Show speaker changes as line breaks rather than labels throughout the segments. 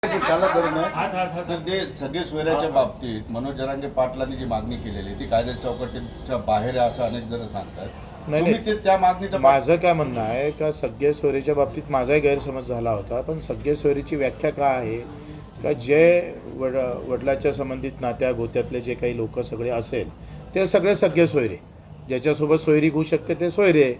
त्याला करणं तर ते सगळे सोयऱ्याच्या बाबतीत मनोज जरांगे पाटलांनी जी मागणी केलेली ती कायद्या चौकटीच्या बाहेर आहे असं अनेक जण सांगतात.
नाही
ते त्या मागणीचं
माझं काय म्हणणं आहे का सगळे सोयरीच्या बाबतीत माझाही गैरसमज झाला होता, पण सगळे सोयरीची व्याख्या काय आहे का जे वडिलाच्या संबंधित नात्या गोत्यातले जे काही लोक सगळे असेल ते सगळे सगळे सोयरे, ज्याच्यासोबत सोयरी होऊ शकते ते सोयरे.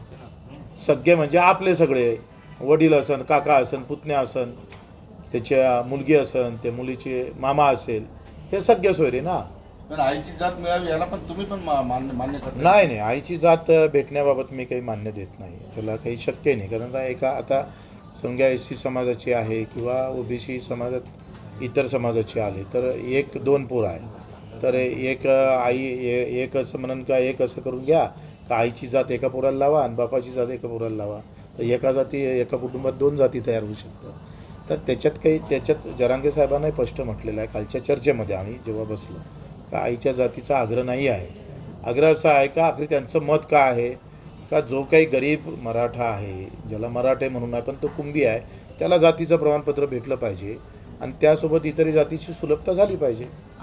सगळे म्हणजे आपले सगळे वडील असन, काका असन, पुतण्या असन, त्याच्या मुलगी असन, त्या मुलीचे मामा असेल, हे सगळे सोयरे ना.
पण आईची जात मिळावी याला पण तुम्ही पण मान्य करता?
नाही, आईची जात भेटण्याबाबत मी काही मान्य देत नाही, त्याला काही शक्य नाही. कारण आता समजा SC समाजाची आहे किंवा OBC समाजात इतर समाजाची आले तर 1-2 पोरं आहे, तर एक आई एक असं म्हणून का एक असं करून घ्या का आईची जात एका पोराला लावा आणि बापाची जात एका पोराला लावा, तर एका कुटुंबात 2 जाती तयार होऊ शकतात. तर त्याच्यात जरांगे साहेबांनाही स्पष्ट म्हटलेलं आहे कालच्या चर्चेमध्ये आम्ही जेव्हा बसलो का आईच्या जातीचा आग्रह नाही आहे. आग्रह असा आहे का आखरी त्यांचं मत काय आहे का जो काही गरीब मराठा आहे, ज्याला मराठे म्हणून आहे पण तो कुंभी आहे, त्याला जातीचं प्रमाणपत्र भेटलं पाहिजे आणि त्यासोबत इतर जातीची सुलभता झाली पाहिजे.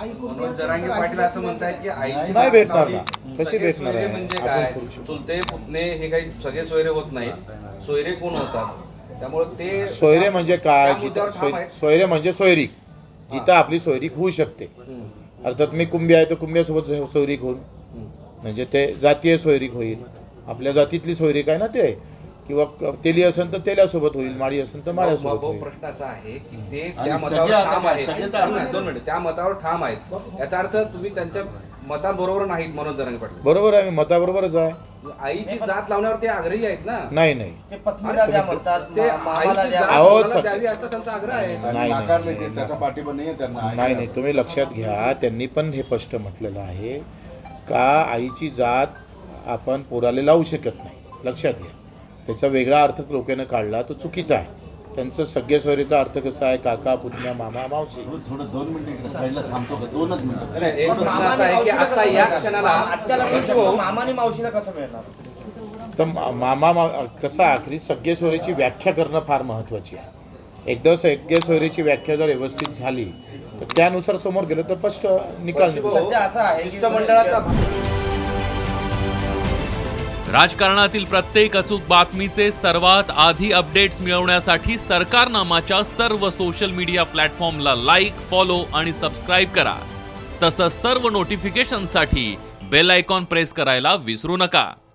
जरांगे पाटील असं म्हणतायत की आईची
नाही भेटणार ना, कशी भेटणार
सोयरे
आहे?
म्हणजे
आपण
काय,
करू शकतो.
चुलते पुतणे हे काही सगळे सोयरे होत नाहीत. सोयरे कोण होतात? त्यामुळे ते
सोयरे म्हणजे काय?
त्या मुद्द्यावर ठाम आहेत.
सोयरे म्हणजे सोयरीक, जिथं आपली सोयरीक होऊ शकते. अर्थात मी कुंभी आहे तर कुंभ्यासोबत सोयरीक होईल म्हणजे ते जातीय सोयरीक होईल, आपल्या जातीतली सोयरीक आहे ना ते, किंवा तेली असेल तर तेल्यासोबत होईल, माळी असेल तर माळ्यासोबत होईल.
प्रश्न असा आहे की ते
आणि
त्या
सगळे
मतावर
आता
ठाम आहेत.
सगळेच
दोन मिनिट त्या मतावर ठाम आहेत, याचा अर्थ तुम्ही त्यांच्या मताबरोबर नाहीत. मनोज जरांगे पाटील
बरोबर आहे, मी मताबरोबरच आहे.
आईची जात लावण्यावर ते आग्रही आहेत ना.
नाही
ते पत्नीला द्या म्हणतात,
ते
मामाला
आईची
द्या.
जात
अहो,
कोणाला
सग-
द्यावी असा त्यांचा आग्रह आहे.
नाही,
नाकारले
नाही,
ते त्याचा पाठिंबा नाही आहे त्यांना.
नाही, तुम्ही लक्षात घ्या, त्यांनी पण हे स्पष्ट म्हटलेलं आहे का आईची जात आपण पोराला लावू शकत नाही. लक्षात घ्या, त्याचा वेगळा अर्थ लोकांनी काढला तो चुकीचा आहे. त्यांचं सगळ्या सोयरीचा अर्थ कसा आहे, काका, पुतण्या, मामा, मावशी.
थोडं 2 मिनिटं इकडे साईडला थांबतो का? 2च मिनिटं.
नाही, एक
पण
प्रश्न
मामाने
असा आहे की
मावशीला
आता
कसं
या
मिळणार?
क्षणाला
आत्याला मिळू शकतो, मामाने मावशीला कसं मिळणार?
तर कसं आखरी सगळे सोयरीची व्याख्या करणं फार महत्त्वाची आहे. एकदा सगळे सोयरीची व्याख्या जर व्यवस्थित झाली तर त्यानुसार समोर गेलं तर स्पष्ट निकाल निघतो.
सध्या असं आहे की
शिष्टमंडळाचा
राजकारणातील प्रत्येक अचूक बातमीचे सर्वात आधी अपडेट्स मिळवण्यासाठी सरकारनामाच्या सर्व सोशल मीडिया प्लॅटफॉर्मला लाईक, फॉलो आणि सबस्क्राईब करा. तसंच सर्व नोटिफिकेशनसाठी बेल आयकॉन प्रेस करायला विसरू नका.